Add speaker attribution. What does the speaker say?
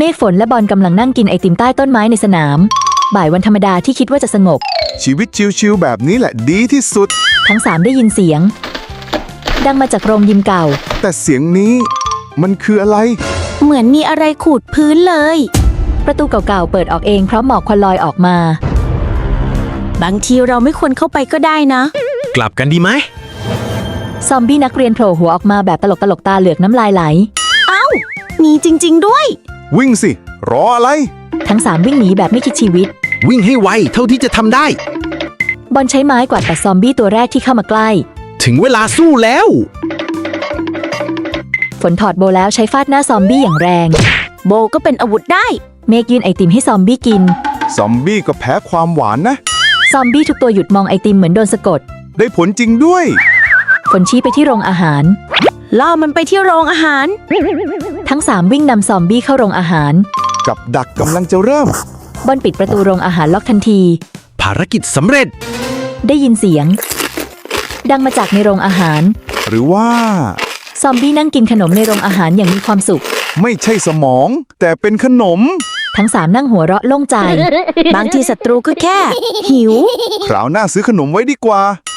Speaker 1: เมฆฝนและบอลกำลังนั่งกินไอติมใต้ต้นไม้ในสนามบ่ายวันธรรมดาที่คิดว่าจะสงบ
Speaker 2: ชีวิตชิวๆแบบนี้แหละดีที่สุด
Speaker 1: ทั้งสามได้ยินเสียงดังมาจากโรงยิมเก่า
Speaker 2: แต่เสียงนี้มันคืออะไร
Speaker 3: เหมือนมีอะไรขูดพื้นเลย
Speaker 1: ประตูเก่าๆเปิดออกเองเพราะหมอกควันลอยออกมา
Speaker 3: บางทีเราไม่ควรเข้าไปก็ได้นะ
Speaker 4: กลับกันดีไหม
Speaker 1: ซอมบี้นักเรียนโผล่หัวออกมาแบบตลกตาเหลือกน้ำลายไหล
Speaker 3: มีจริงๆด้วย
Speaker 2: วิ่งสิรออะไร
Speaker 1: ทั้งสามวิ่งหนีแบบไม่คิดชีวิต
Speaker 4: วิ่งให้ไวเท่าที่จะทำได้
Speaker 1: บอลใช้ไม้กวาดปัดซอมบี้ตัวแรกที่เข้ามาใกล้
Speaker 4: ถึงเวลาสู้แล้ว
Speaker 1: ฝนถอดโบแล้วใช้ฟาดหน้าซอมบี้อย่างแรง
Speaker 3: โบก็เป็นอาวุธได้
Speaker 1: เมฆยื่นไอติมให้ซอมบี้กิน
Speaker 2: ซอมบี้ก็แพ้ความหวานนะ
Speaker 1: ซอมบี้ทุกตัวหยุดมองไอติมเหมือนโดนสะกด
Speaker 2: ได้ผลจริงด้วย
Speaker 1: ฝนชี้ไปที่โรงอาหาร
Speaker 3: ล่อมันไปที่โรงอาหาร
Speaker 1: ทั้งสามวิ่งนำซอมบี้เข้าโรงอาหาร
Speaker 2: กับดักกำลังจะเริ่ม
Speaker 1: บอลปิดประตูโรงอาหารล็อกทันที
Speaker 4: ภารกิจสำเร็จ
Speaker 1: ได้ยินเสียงดังมาจากในโรงอาหาร
Speaker 2: หรือว่า
Speaker 1: ซอมบี้นั่งกินขนมในโรงอาหารอย่างมีความสุข
Speaker 2: ไม่ใช่สมองแต่เป็นขนม
Speaker 1: ทั้งสามนั่งหัวเราะโล่งใจ
Speaker 3: บางทีศัตรูก็แค่หิว
Speaker 2: คราวหน้าซื้อขนมไว้ดีกว่า